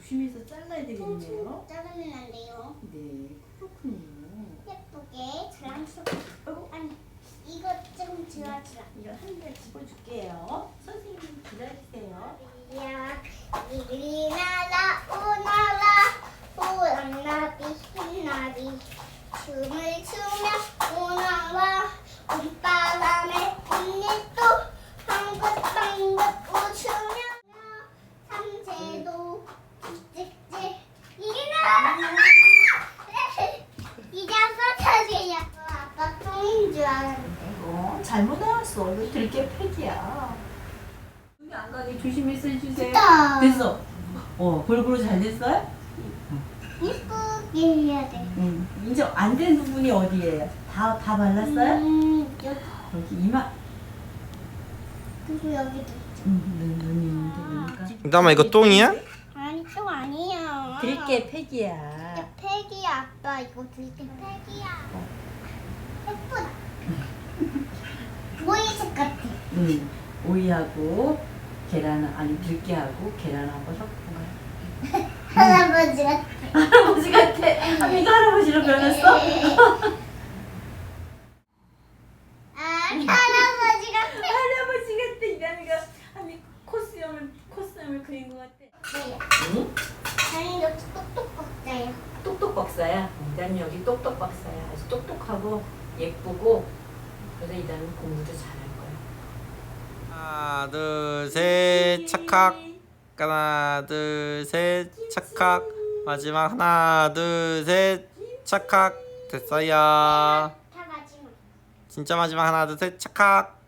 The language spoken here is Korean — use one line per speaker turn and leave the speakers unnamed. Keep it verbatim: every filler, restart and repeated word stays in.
조심해서 잘라야 되겠네요.
자르면 안 돼요.
네, 그렇군요.
예쁘게 자랑스럽게.
아이고,
아니, 이거 좀 지워주라.
이거 한 개 집어줄게요. 선생님 기다리세요.
야, 이리 나라 오나라 오랑나비 흰나비 춤을 추며 오나라 봄바람에 꽃잎도 방긋방긋 웃으며 삼재도 찍찍 이리 나라 이제 써주세요. 아빠 똥인 줄 알았는데.
어, 잘못 나왔어. 이거 들깨 팩이야. 눈이 안 가게 조심해서 해주세요.
됐다.
됐어. 어, 골고루 잘 됐어요?
예쁘게 해야 돼.
응. 이제 안 된 부분이 어디예요? 다, 다 발랐어요?
음, 여기.
여기 이마.
그리고 여기도 있죠.
응, 눈, 눈이 있는데 보니까.
담아 이거 똥이야?
아니 또 아니야.
들깨 팩이야.
이게 팩이야 아빠. 이거 들깨 팩이야. 예쁘다. 보이색 같아.
응. 오이하고 계란, 아니 들깨하고 계란하고 섞은 거야.
할아버지 같아.
할아버지 같아. 아, 이거 할아버지로 변했어?
아 할아버지 같아.
할아버지 같아. 이담이가 아니 코스염을 코스염을 그린 것 같아.
네.
응?
아니 여기 똑똑 박자야.
똑똑 박사야. 이담이 여기 똑똑 박사야. 아주 똑똑하고 예쁘고 그래서 이담이 공부도 잘할 거야.
하나 둘셋 착각. 하나 둘셋 착각. 마지막 하나 둘셋 착각. 됐어요.
다 마지막.
진짜 마지막 하나 둘셋 착각.